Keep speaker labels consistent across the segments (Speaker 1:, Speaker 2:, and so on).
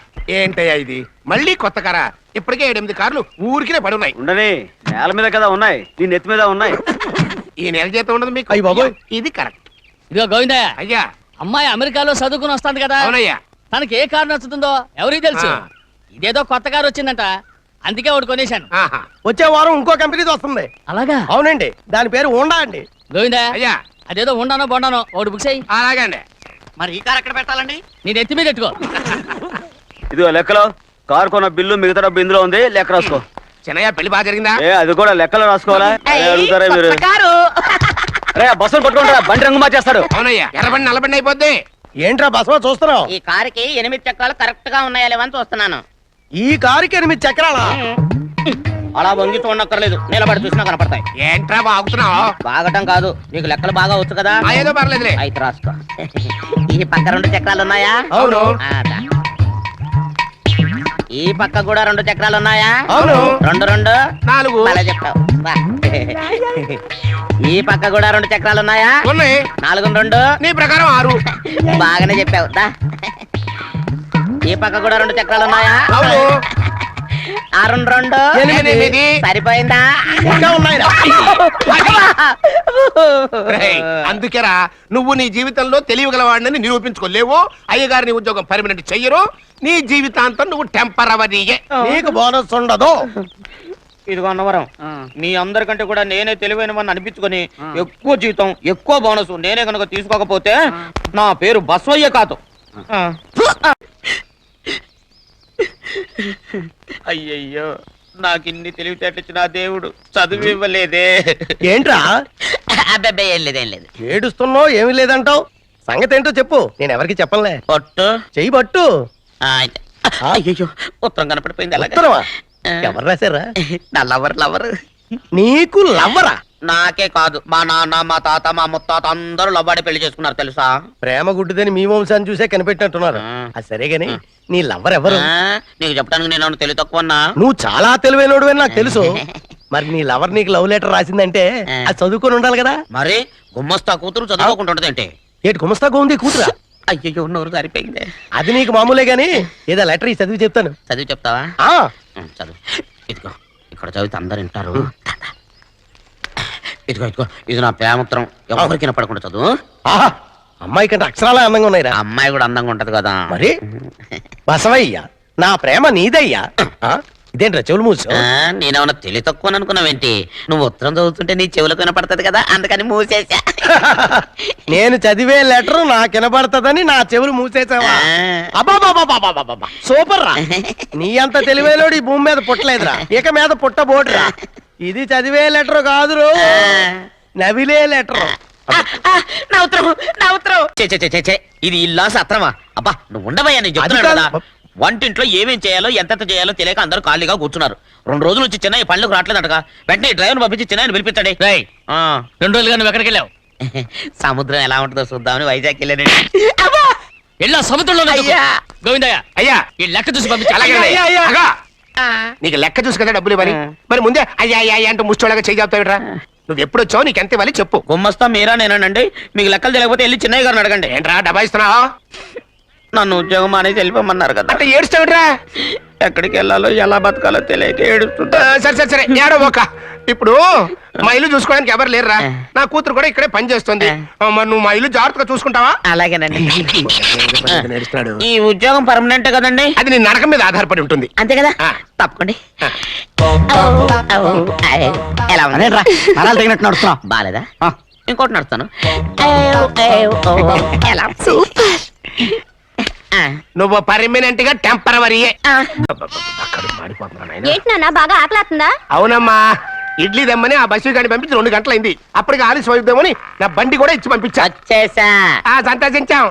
Speaker 1: ఏంటయ్యా ఇది మళ్ళీ కొత్త కారా? ఇప్పటికే 7-8 కార్లు ఊరికినే పడున్నాయి.
Speaker 2: ఉండని, నేల మీద కదా ఉన్నాయి, నీ నెత్తి మీద ఉన్నాయి.
Speaker 1: ఈ నెల జీతం ఉండదు మీకు.
Speaker 3: అయ్య బాబోయ్.
Speaker 1: ఇది కరెక్ట్.
Speaker 4: ఇదిగో గోవిందయ్య,
Speaker 1: అయ్యా.
Speaker 4: అమ్మాయి అమెరికాలో చదువుకుని వస్తాంది కదా,
Speaker 1: అవునయ్యా.
Speaker 4: తనకి ఏ కారు నచ్చుతుందో ఎవరికి తెలుసు.
Speaker 1: ఆ.
Speaker 4: ఇదేదో కొత్త కారు వచ్చిందంట, అందుకే ఒకటి కొనేశాను.
Speaker 1: ఆహా.
Speaker 3: వచ్చే వారం ఇంకో కంపెనీది వస్తుంది.
Speaker 4: అలాగా?
Speaker 3: అవునండి, దాని పేరు హోండా అండి.
Speaker 4: గోవిందయ్య,
Speaker 1: అయ్యా.
Speaker 4: అదేదో ఉండానో బొండానో ఒకటి బుక్ చేయి.
Speaker 1: అలాగే అండి.
Speaker 5: మరి ఈ కార్ ఎక్కడ పెట్టాలండి?
Speaker 4: నీ నెత్తి మీద పెట్టుకో.
Speaker 2: ఇదిగో లెక్కలో కారు కొన్న బిల్లు మిగతా డబ్బు ఇందులో ఉంది, లెక్క రాసుకో.
Speaker 1: చిన్నయ్య పెళ్లి బాగా జరిగిందా?
Speaker 2: అది కూడా లెక్కలో రాసుకోవాలా? అదే అడుగుతారా మీరు?
Speaker 5: కారు
Speaker 2: రే బస్సులు పట్టుకుంటారా, బండి రంగు మార్చేస్తాడు.
Speaker 1: అవునయ్యా, ఎర్రబండి నల్లబండి అయిపోద్ది.
Speaker 3: ఏంట్రా బసవ చూస్తున్నావు?
Speaker 5: ఈ కారుకి 8 చక్రాలు కరెక్ట్ గా ఉన్నాయా లేవని చూస్తున్నాను.
Speaker 3: ఈ కారుకి 8 చక్రాలా?
Speaker 5: అలా వంగి చూడక్కర్లేదు, నిలబడి చూసినా కనపడతాయి.
Speaker 1: ఏంట్రా బాగుతున్నావు?
Speaker 5: బాగటం కాదు, నీకు లెక్కలు బాగా వచ్చు కదా.
Speaker 1: ఏదో పర్లేదులే.
Speaker 5: అయితే రాసుకో. ఈ పక్క 2 చక్రాలు ఉన్నాయా?
Speaker 1: అవును.
Speaker 5: దా. ఈ పక్క కూడా 2 చక్రాలు ఉన్నాయా?
Speaker 1: అవును.
Speaker 5: 2 2
Speaker 1: 4.
Speaker 5: అలా చెప్తావు. బా. ఈ పక్క కూడా 2 చక్రాలు ఉన్నాయా?
Speaker 1: ఉన్నాయి.
Speaker 5: 4 2
Speaker 1: నీ ప్రకారం 6.
Speaker 5: బాగానే చెప్పావు. దా. ఈ పక్క కూడా 2 చక్రాలు ఉన్నాయా?
Speaker 1: అవును.
Speaker 5: 6 2
Speaker 1: 8.
Speaker 5: సరిపోయిందా?
Speaker 3: ఇంకా ఉన్నాయిరా.
Speaker 1: రేయ్, అందుకేరా నువ్వు నీ జీవితంలో తెలియగలవాడిని నిరూపించుకోలేవు. అయ్యగారి ఉద్యోగం పర్మనెంట్ చెయ్యరు. నీ జీవితాంతం నువ్వు టెంపరవరీయే.
Speaker 3: నీకు బోనస్ ఉండదు.
Speaker 5: ఇదిగో అన్నవరం, మీ అందరికంటే కూడా నేనే తెలివైన వాడిని అనిపించుకొని ఎక్కువ జీతం ఎక్కువ బోనస్ నేనే కనుక తీసుకోకపోతే నా పేరు బస్వయ్య కాదు. అయ్యయ్యో, నాకు ఇన్ని తెలివితేటచ్చిన దేవుడు చదువు ఇవ్వలేదే.
Speaker 3: ఏంట్రా
Speaker 5: అబ్బాయి ఏం లేదు, ఏం లేదు.
Speaker 3: ఏడుస్తున్నావు? ఏమీ లేదంటావు. సంగతి ఏంటో చెప్పు, నేను ఎవరికి చెప్పనులే.
Speaker 5: పట్టు.
Speaker 3: చెయ్యి పట్టు.
Speaker 5: అయ్యో, ఉత్తరం కనపడిపోయింది. అలాగే
Speaker 3: ఉత్తరమా? ఎవరు రాశారా?
Speaker 5: నా లవర్ లవర్.
Speaker 3: నీకు లవ్వరా?
Speaker 5: నాకే కాదు, మా నాన్న మా తాత మా ముత్తాత అందరూ లవ్వాడి పెళ్లి చేసుకున్నారు తెలుసా.
Speaker 3: ప్రేమ గుడ్డిదని మీ వంశాన్ని చూసే కనిపెట్టినట్టున్నారు. అది సరే గాని నీ లవ్వర్ ఎవరు?
Speaker 5: నీకు చెప్పడానికి నేను తెలివి తక్కువన్నా?
Speaker 3: నువ్వు చాలా తెలివైనడు అని నాకు తెలుసు. మరి నీ లవర్ నీకు లవ్ లెటర్ రాసిందంటే అది చదువుకొని ఉండాలి కదా.
Speaker 5: మరి గుమ్మస్తా కూతురు చదువుకుంటుంటది ఏంటి?
Speaker 3: ఏటి గుమస్తా ఉంది కూతురా?
Speaker 5: అయ్యో, నోరు సరిపోయింది.
Speaker 3: అది నీకు మామూలే గాని ఏదో లెటర్ చదివి చెప్తాను.
Speaker 5: చదివి చెప్తావా?
Speaker 3: ఆ
Speaker 5: చదువు. ఇదిగో ఇక్కడ చదివితే అందరు వింటారు. ఇదిగో ఇదిగో, ఇది నా ప్రేమత్రం, ఎవరికి వినపడకుండా చదువు.
Speaker 3: ఆహా, అమ్మాయి కంటే అక్షరాలే అందంగా ఉన్నాయిరా.
Speaker 5: అమ్మాయి కూడా అందంగా ఉంటది కదా.
Speaker 3: మరి బసవయ్య, నా ప్రేమ నీదయ్యా. ఇదేంట్రా చెవులు మూసు?
Speaker 5: నేనేమన్నా తెలివి తక్కువ అనుకున్నావేంటి? నువ్వు ఉత్తరం చదువుతుంటే నీ చెవులకు వినపడుతుంది కదా, అందుకని మూసేసా.
Speaker 3: నేను చదివే లెటర్ నాకు వినపడుతుందని నా చెవులు మూసేసావా? అబ్బాబాబాబాబాబాబా, సూపర్ రా. నీ అంత తెలివేలోడు ఈ భూమి మీద పుట్టలేదురా, ఇక మీద పుట్టబోడురా. ఇది చదివే లెటర్ కాదురు, నవిలే లెటర్.
Speaker 5: నా ఉత్తరం, నా ఉత్తరం. ఇది ఇల్లా సత్రమా? అబ్బా నువ్వు ఉండవయ్యా, నేను చెప్తున్నాను కదా. వంటింట్లో ఏమేం చేయాలో ఎంతెంత చేయాలో తెలియక అందరూ ఖాళీగా కూర్చున్నారు. 2 రోజుల నుంచి చిన్న పళ్ళకు రావట్లేదటగా. వెంటనే డ్రైవర్ పంపించి చిన్న పిలిపించండి.
Speaker 4: 2 రోజులుగా నువ్వు ఎక్కడికి వెళ్ళావు?
Speaker 5: సముద్రం ఎలా ఉంటుందో చూద్దామని వైజాగ్ వెళ్ళానండి.
Speaker 4: వెళ్ళా సముద్రంలో. గోవిందయ్య,
Speaker 1: అయ్యా,
Speaker 4: ఈ లెక్క చూసి పంపించి.
Speaker 1: అలాగే. అగా, నీకు లెక్క చూసి కదా డబ్బులు ఇవ్వాలి. మరి ముందే అయ్యా అయ్యా అంటే ముష్టోళ్ళగా చేయి చెప్తావిట్రా. నువ్వు ఎప్పుడు వచ్చావు, నీకు ఎంత ఇవ్వాలి చెప్పు.
Speaker 5: గుమ్మస్తా మీరా నేనండి. మీకు లెక్కలు తెలియకపోతే వెళ్ళి చిన్నయ్య గారిని అడగండి.
Speaker 1: ఏంట్రా డబ్బా ఇస్తున్నావా?
Speaker 5: నన్ను ఉద్యోగం అనేది వెళ్ళిపోమన్నారు కదా.
Speaker 1: అంటే ఏడుస్తావిట్రా?
Speaker 5: ఎక్కడికి వెళ్ళాలో ఎలా బతకాలో తెలియక ఏడుస్తుంటా.
Speaker 1: సరే సరే సరే, ఏడో ఒక. ఇప్పుడు మా ఇల్లు చూసుకోవడానికి ఎవరు లేరురా. నా కూతురు కూడా ఇక్కడే పని చేస్తుంది. మరి నువ్వు మా ఇల్లు జాగ్రత్తగా చూసుకుంటావా?
Speaker 5: అలాగేనండి.
Speaker 1: నేర్చున్నాడు.
Speaker 5: ఈ ఉద్యోగం పర్మనెంట్ కదండి?
Speaker 1: అది నీ నరకం మీద ఆధారపడి ఉంటుంది.
Speaker 5: అంతే కదా. తప్పకండి. ఎలా
Speaker 3: నరాలు తగినట్టు నడుస్తున్నా.
Speaker 5: బాలేదా? ఇంకోటి నడుస్తాను. ఎలా?
Speaker 1: నువ్వు పర్మనెంట్ గా టెంపరవరీయే.
Speaker 6: ఏంటి నాన్న బాగా ఆకలాతుందా?
Speaker 1: అవునమ్మా, ఇడ్లీ దమ్మని ఆ బస్సు గాని పంపించి 2 గంటలైంది. అప్పటికి ఆలస్యం అవుతామని నా బండి కూడా ఇచ్చి పంపించా.
Speaker 5: వచ్చేసా.
Speaker 1: సంతోషించాం.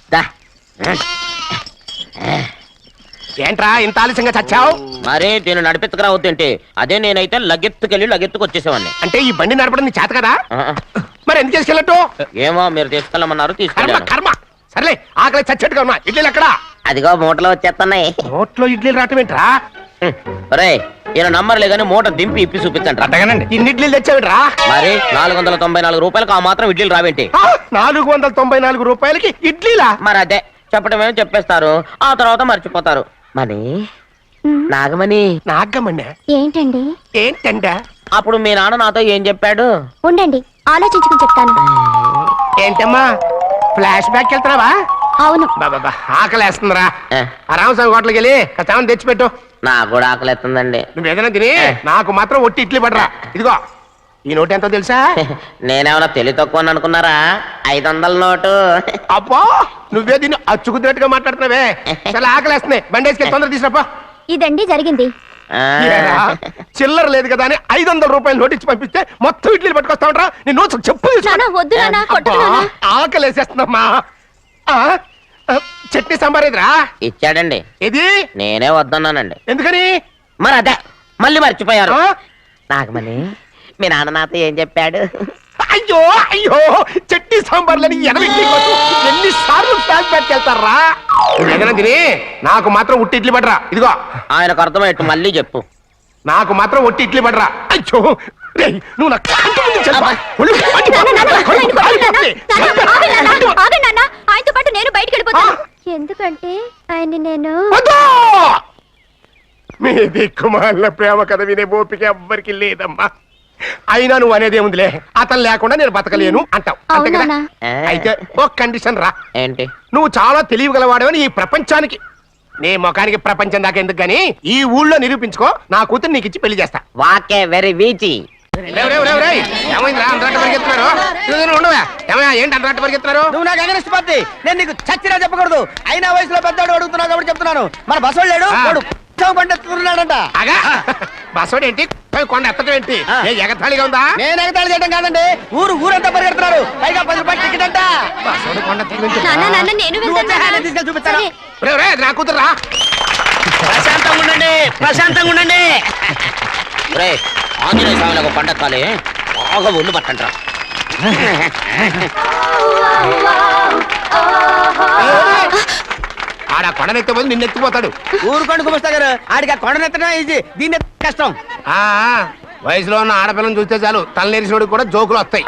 Speaker 1: ఏంట్రా ఇంత ఆలస్యంగా చచ్చావు?
Speaker 5: మరి దీన్ని నడిపెత్తుకురావద్దేంటి? అదే నేనైతే లగెత్తుకెళ్ళి లగెత్తుకు వచ్చేసేవాడిని.
Speaker 1: అంటే ఈ బండి నడపడం నీ చేత కదా? మరి ఎందుకు తీసుకెళ్ళట్టు?
Speaker 5: ఏమో మీరు తీసుకెళ్ళమన్నారు, తీసుకెళ్ళాను.
Speaker 1: కర్మ. సర్లే, ఆకలి చచ్చేట్టుగా ఉన్నా. ఇడ్లీలు ఎక్కడా?
Speaker 5: అదిగో మూటలో వచ్చేస్తున్నాయి.
Speaker 1: నోట్లో ఇడ్లీలు రావటం ఏంట్రా?
Speaker 5: రే ఈయన నంబర్లే కానీ మూట దింపి ఇప్పి చూపించండి.
Speaker 1: అట్టగానండి. ఇన్ని ఇడ్లీలు తెచ్చావిడ్రా?
Speaker 5: మరి 494 రూపాయలకు ఆ మాత్రం ఇడ్లీలు రావేంటి?
Speaker 1: 494 రూపాయలకి ఇడ్లీలా?
Speaker 5: మరి అదే చెప్పడం ఏమో చెప్పేస్తారు, ఆ తర్వాత మర్చిపోతారు. మని నాగమణి
Speaker 1: నాగమ్మన్నా
Speaker 6: ఏంటండి?
Speaker 1: ఏంటంట?
Speaker 5: అప్పుడు మీ నాన్న నాతో ఏం చెప్పాడు?
Speaker 6: ఉండండి, ఆలోచించుకుని చెప్తాను.
Speaker 1: ఏంటమ్మా ఫ్లాష్ బ్యాక్ వెళ్తున్నావా?
Speaker 6: అవును.
Speaker 1: బాబా ఆకలేస్తుందిరా.
Speaker 5: ఏ.
Speaker 1: ఆ రామస్వామి హోటల్కి వెళ్ళి కచ్చామని తెచ్చిపెట్టు.
Speaker 5: నాకు కూడా ఆకలిస్తుందండి.
Speaker 1: నువ్వు ఏదైనా తిని నాకు మాత్రం ఒట్టి ఇడ్లీ పడరా. ఇదిగో ఈ నోటు ఎంతో తెలుసా?
Speaker 5: నేనేమన్నా తెలివి తక్కువ అనుకున్నారా? 500 నోటు.
Speaker 1: అబ్బో నువ్వే దీన్ని అచ్చుకుతున్నట్టుగా మాట్లాడుతున్నావే. చాలా ఆకలేస్తున్నాయి, బండేసుకెళ్ళి తొందర తీసుకురాపో.
Speaker 6: ఇదండి జరిగింది.
Speaker 5: ఆ.
Speaker 1: ఏరా, చిల్లర లేదు కదా అని 500 రూపాయలు నోటు ఇచ్చి పంపిస్తే మొత్తం ఇడ్లీలు పట్టుకొస్తా ఉంటా. నీ నోట్స్ చెప్పు తీసుకో.
Speaker 6: నాన్న, వద్దు నాన్న, కొట్టకు
Speaker 1: అబ్బా,
Speaker 6: నాన్న.
Speaker 1: ఆకలేసేస్తుందమ్మా. చట్నీ సాంబార్ ఎదురా
Speaker 5: ఇచ్చాడండి.
Speaker 1: ఇది
Speaker 5: నేనే వద్దన్నానండి.
Speaker 1: ఎందుకని?
Speaker 5: మరి అదే మళ్ళీ మర్చిపోయారు.
Speaker 1: ఆ?
Speaker 5: నాగమణి మీ నాన్న నాతో ఏం చెప్పాడు?
Speaker 1: అయ్యో అయ్యో చట్నీ సాంబార్లని ఎన్ని సార్లు ప్యాక్ పెట్టుకెళ్తారా? ఏదైనా తిని నాకు మాత్రం ఉట్టి ఇడ్లీ పడరా. ఇదిగో
Speaker 5: ఆయనకు అర్థమయ్యట్టు మళ్ళీ చెప్పు.
Speaker 1: నాకు మాత్రం ఒట్టి ఇడ్లీ పడరా. అయ్యో రేయ్, నువ్వు నా కంటి ముందు చెప్పా. ఒళ్ళు మండి
Speaker 6: నాన్న, నాన్న,
Speaker 1: పోతుంది.
Speaker 6: ఆయన కొట్టకు నాన్న. నాన్న, ఆగండి నాన్న,
Speaker 1: మండి పోతుంది.
Speaker 6: ఆగండి నాన్న. ఆయనతో పాటు నేను బయటికి వెళ్ళిపోతాను. ఎందుకంటే ఆయన్ని నేను
Speaker 1: వద్దు! మీ దిక్కుమాల ప్రేమ కథ వినే ఓపిక ఎవ్వరికి లేదమ్మా. అయినా నువ్వు అనేది ఏముందిలే, అతను లేకుండా నేను బతకలేను అంటావు అంతే కదా?
Speaker 6: అవునా?
Speaker 1: అయితే ఓ కండిషన్ రా.
Speaker 5: ఏంటి?
Speaker 1: నువ్వు చాలా తెలియగలవాడవని ఈ ప్రపంచానికి, నీ ముఖానికి ప్రపంచం దాకా ఎందుకు గానీ ఈ ఊళ్ళో నిరూపించుకో. నా కూతురు నీకు ఇచ్చి పెళ్లి చేస్తా.
Speaker 5: వాకే వెరీ వీచి.
Speaker 1: రేయ్, రేయ్, రేయ్, రేయ్. ఏమైందిరా అంతరాట పరిగెత్తున్నారు? ఉండవా? ఏమయ్యా ఏంటి అంతరాట పరిగెత్తున్నారు?
Speaker 3: నువ్వు నాకు అగనిస్ట్ పార్టీ. నేను నీకు చచ్చినా చెప్పకూడదు. అయినా వయసులో పెద్దవాడు అడుగుతున్నావు కాబట్టి చెప్తున్నాను. మన బసోడు లేడు,
Speaker 1: ఆ.
Speaker 3: వాడు పండిస్తున్నాడంట.
Speaker 1: అగా బస్సోడు ఏంటి, కొండ ఎత్తడం ఏంటి? ఏ ఎగతాళిగా ఉందా?
Speaker 3: నేను ఎగతాళి చేయడం కాదండి, ఊరంతా పరిగెడుతున్నారు. పైగా 10 రూపాయలు టికెట్ అంట.
Speaker 1: బస్సోడు కొండ ఎత్తడం
Speaker 6: నాన్న, నాన్న, నేను
Speaker 3: నువ్వు వచ్చే హ్యాండ్
Speaker 6: వెళ్తాను.
Speaker 3: తీసుకెళ్ళి చూపిస్తాను.
Speaker 6: సరే.
Speaker 1: రేయ్, రేయ్, నా కూతురు
Speaker 5: ప్రశాంతంగా ఉండండి, ప్రశాంతంగా ఉండండి. రే ఆంజనేయ స్వామిలకు పండక్కాలి, బాగా ఒళ్ళు పట్టంట్రా.
Speaker 1: ఆడ కొండనెత్తిపోతే నిన్నెత్తిపోతాడు.
Speaker 3: ఊరుకోండి కుమస్తా గారు, ఆడికి ఆ కొండనెత్తడం ఈజీ, దీన్ని ఎత్తడం కష్టం.
Speaker 1: ఆ వయసులో ఉన్న ఆడపిల్లని చూస్తే చాలు తలనేరిసినోడికి కూడా జోకులు వస్తాయి.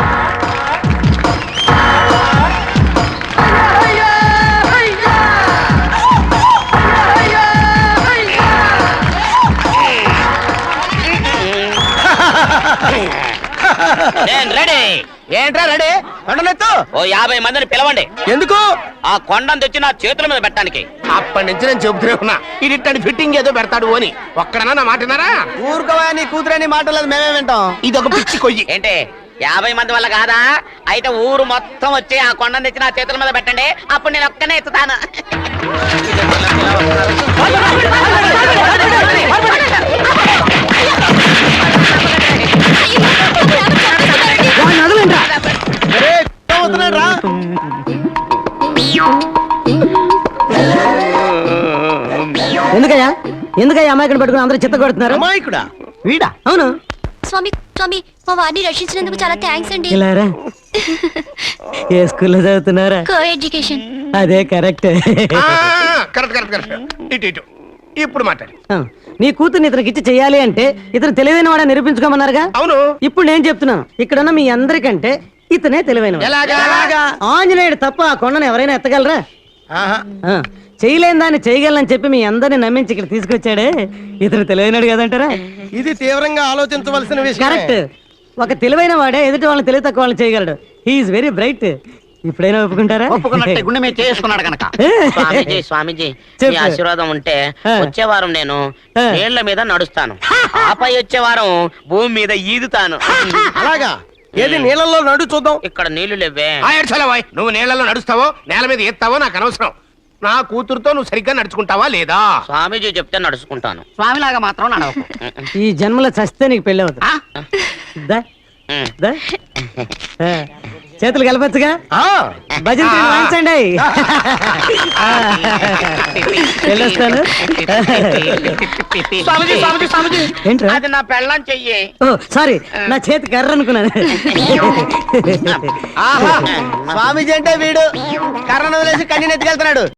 Speaker 5: నేను రెడీ.
Speaker 3: ఏంట్రా రెడీ? కొండనెత్తు.
Speaker 5: ఓ 50 మందిని పిలవండి.
Speaker 3: ఎందుకు?
Speaker 5: ఆ కొండను తెచ్చి నా చేతుల మీద పెట్టడానికి.
Speaker 1: అప్పటి నుంచి నేను చెబుతూనే ఉన్నా ఇడిట్టని ఫిట్టింగ్ ఏదో పెడతాడు అని. ఒక్కడనా నా మాట విన్నారా?
Speaker 3: ఊరుకోవా, నీ కూతురని మాటలేదు, మేమే వింటాం.
Speaker 1: ఇదొక పిచ్చి కొయ్యి.
Speaker 5: ఏంటి 50 మంది వల్ల కాదా? అయితే ఊరు మొత్తం వచ్చి ఆ కొండను తెచ్చి నా చేతుల మీద పెట్టండి, అప్పుడు నేను ఒక్కనే ఎత్తుతాను.
Speaker 3: రా.
Speaker 7: ఎందుకయ్యా అమాయకుని పట్టుకుని అందరూ చిత్త కొడుతున్నారు?
Speaker 3: అమాయకుడా?
Speaker 7: వీడా? అవును.
Speaker 6: స్వామి, స్వామి, మా వారిని రక్షించినందుకు చాలా థ్యాంక్స్ అండి.
Speaker 7: ఇలారా ఏ స్కూల్లో చదువుతున్నారా?
Speaker 6: Co education.
Speaker 7: అదే కరెక్ట్.
Speaker 1: Correct correct correct. ఇటు ఇటు ఇప్పుడు మాట్లాడు.
Speaker 7: నీ కూతుర్ని ఇతనికి ఇచ్చి చెయ్యాలి అంటే ఇతను తెలివైన వాడని నిరూపించుకోమన్నారుగా.
Speaker 1: అవును.
Speaker 7: ఇప్పుడు నేను చెప్తున్నాను, ఇక్కడున్న మీ అందరికంటే ఇతనే తెలివైన
Speaker 1: ఎలాగా?
Speaker 7: ఆంజనేయుడు తప్ప ఆ కొండను ఎవరైనా ఎత్తగలరా? ఆ, చేయలేని దాన్ని చేయగలనని చెప్పి మీ అందరిని నమ్మించి ఇక్కడ తీసుకొచ్చాడే, ఇతను తెలివైనడు కదంటారా?
Speaker 3: ఇది తీవ్రంగా ఆలోచించవలసిన విషయం.
Speaker 7: కరెక్ట్. ఒక తెలివైన వాడే ఎదుటి వాళ్ళని తెలివి తక్కువ వాళ్ళని చేయగలడు. He is very bright. ఇప్పుడైనా ఒప్పుకుంటారా?
Speaker 5: ఒప్పుకున్నట్టే గుండె మీద చేసుకున్నాడు కనుక. స్వామీజీ స్వామీజీ
Speaker 7: చెప్పు.
Speaker 5: మీ ఆశీర్వాదం ఉంటే వచ్చే వారం నేను నీళ్ల మీద నడుస్తాను, ఆపై వచ్చే వారం భూమి మీద ఈదుతాను.
Speaker 3: అలాగా? ఏది నీళ్ళల్లో నడు చూద్దాం.
Speaker 5: ఇక్కడ నీళ్లు లేవే.
Speaker 1: ఏడ్చలేవాయ్. నువ్వు నీళ్లలో నడుస్తావో నేల మీద ఎత్తావో నాకు అనవసరం. నా కూతురుతో నువ్వు సరిగ్గా నడుచుకుంటావా లేదా?
Speaker 5: స్వామీజీ చెప్తే నడుచుకుంటాను.
Speaker 4: స్వామిలాగా మాత్రం నడవకు.
Speaker 7: ఈ జన్మలో చస్తే నీకు పెళ్ళి అవుతుంది. దా, దా. ఆ, చేతులు కలపచ్చుగా. భజన తీరు వాయించండి. వెళ్ళొస్తాను.
Speaker 5: స్వామీజీ స్వామీజీ స్వామీజీ
Speaker 7: ఏంట్రా?
Speaker 5: అది నా పెళ్ళం చెయ్యి.
Speaker 7: ఓ సారీ, నా చేతి కర్ర అనుకున్నాను.
Speaker 3: స్వామీజీ అంటే వీడు కర్రను వదిలేసి కన్నీ ఎత్తుకెళ్తున్నాడు.